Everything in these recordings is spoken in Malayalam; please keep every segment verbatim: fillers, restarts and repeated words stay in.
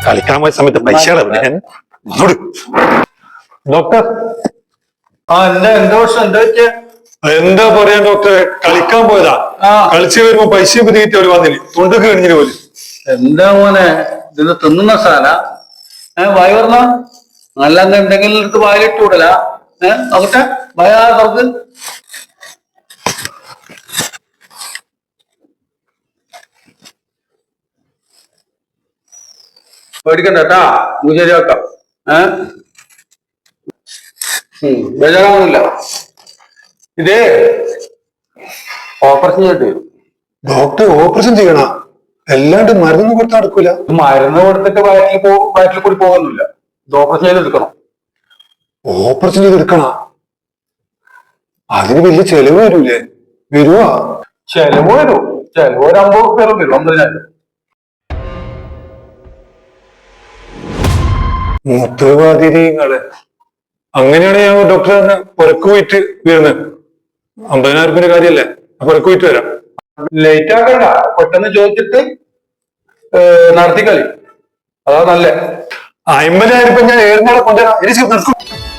കളിക്കാൻ പോയ സമയത്ത് പൈസ ഡോക്ടർ. ആ എന്താ എന്താ പ്രശ്നം എന്താ വെച്ചാ? എന്താ പറയാ ഡോക്ടറെ, കളിക്കാൻ പോയതാ. കളിച്ചു വരുമ്പോ പൈസ പിരികിട്ട് ഒരു വന്നിന് തൊണ്ടൊക്കെ കഴിഞ്ഞിട്ട് പോലും. എന്താ മോനെ ഇത് തിന്നുന്ന സാധന ഏഹ് വായി പറഞ്ഞ നല്ല എന്തെങ്കിലും എടുത്ത് വായിലിട്ട് വിടല. ഏഹ് നോക്കട്ടെ ഭയ തുറക്ക്. പേടിക്കണ്ട കേട്ടാ, നീ ശരിയാക്കാം. ഏഹ് ബേജാറാവുന്നില്ല. ഇതേ ഓപ്പറേഷൻ ചെയ്തിട്ട് വരും. ഡോക്ടർ ഓപ്പറേഷൻ ചെയ്യണ എല്ലാണ്ട് മരുന്നൊന്നും കൊടുത്താൽ നടക്കൂല. മരുന്ന് കൊടുത്തിട്ട് വയറ്റിൽ പോ വയറ്റിൽ കൂടി പോകുന്നില്ല. ഇത് ഓപ്പറേഷൻ ചെയ്തെടുക്കണം. ഓപ്പറേഷൻ ചെയ്തെടുക്കണ അതിന് വലിയ ചെലവ് വരൂലേ? വരുവാ? ചെലവ് വരും. ചെലവ് ഒരു അമ്പത് റുപ്യ വരും. അമ്പതിനായിരം. മുത്തുവാതിരിങ്ങള് അങ്ങനെയാണ് ഞാൻ ഡോക്ടറെ തന്നെ പുറക്ക് പോയിട്ട് വരുന്നത്. അമ്പതിനായിരം റുപ്യന്റെ കാര്യല്ലേ, പുറക്ക് പോയിട്ട് വരാം. ലേറ്റ് ആക്കണ്ട, പെട്ടെന്ന് ചോദിച്ചിട്ട് നടത്തിക്കളി. അതാ നല്ല. അമ്പതിനായിരം റുപ്യ ഞാൻ ഏഴുനാളെ കൊണ്ടുവരാം. എനിക്ക് നടക്കും.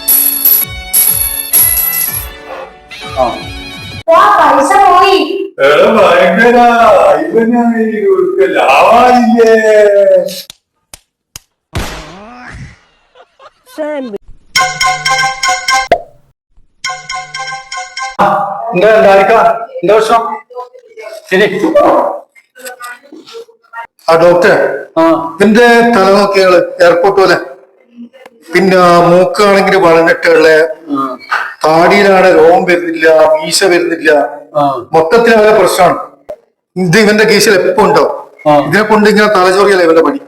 പൈസ പോയി. ഭയങ്കര ലാവായില്ലേ? എന്താ എന്താ എന്താ പ്രശ്നം? ശരി ആ ഡോക്ടറെ, ഇതിന്റെ തലനോക്കികള് എയർപോർട്ട് പോലെ, പിന്നെ മൂക്കാണെങ്കിൽ വളഞ്ഞിട്ടുള്ള, താടിയിലാണ് രോമം വരുന്നില്ല, മീശ വരുന്നില്ല, മൊത്തത്തിൽ അവരുടെ പ്രശ്നമാണ്. ഇത് ഇവന്റെ കീശയിൽ എപ്പോ ഉണ്ടാവും. ഇതിനെ കൊണ്ട് ഇങ്ങനെ തലചോറിയല്ല ഇവന്റെ പണി.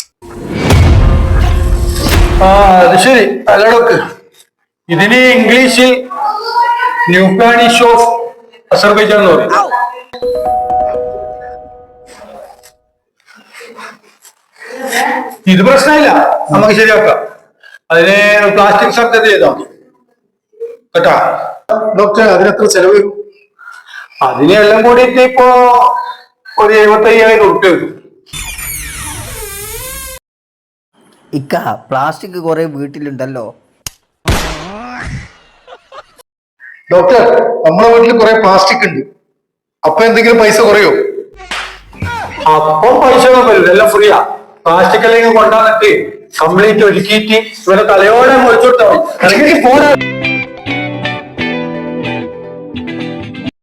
ആ അത് ശരി. അല്ല ഡോക്ടർ, ഇതിന് ഇംഗ്ലീഷിൽ ന്യൂക്ലാനിഷ് ഓഫ് അസർബൈജാൻ എന്ന് പറയും. ഇത് പ്രശ്നമില്ല, നമുക്ക് ശരിയാക്കാം. അതിന് പ്ലാസ്റ്റിക് സർജറി ചെയ്താൽ മതി കേട്ടാ. ഡോക്ടറെ, അതിനെത്ര ചെലവ് വരും? അതിനെല്ലാം കൂടിയിട്ട് ഇപ്പോ ഒരു എഴുപത്തി അയ്യായിരം ഉറുപ്പ്യ വരും. ഇക്ക പ്ലാസ്റ്റിക് കുറെ വീട്ടിലുണ്ടല്ലോ. ഡോക്ടർ, നമ്മളെ വീട്ടിൽ കുറെ പ്ലാസ്റ്റിക് ഉണ്ട്. അപ്പൊ എന്തെങ്കിലും പൈസ കുറയോ? അപ്പൊ പൈസ വരും, എല്ലാം ഫ്രീയാ. പ്ലാസ്റ്റിക് അല്ലെങ്കിൽ കൊണ്ടാന്നിട്ട് കംപ്ലീറ്റ് ഒരുക്കിയിട്ട് ഇവരെ തലയോടെ മുറിച്ചോട്ടാവും. അല്ലെങ്കിൽ പോരാ.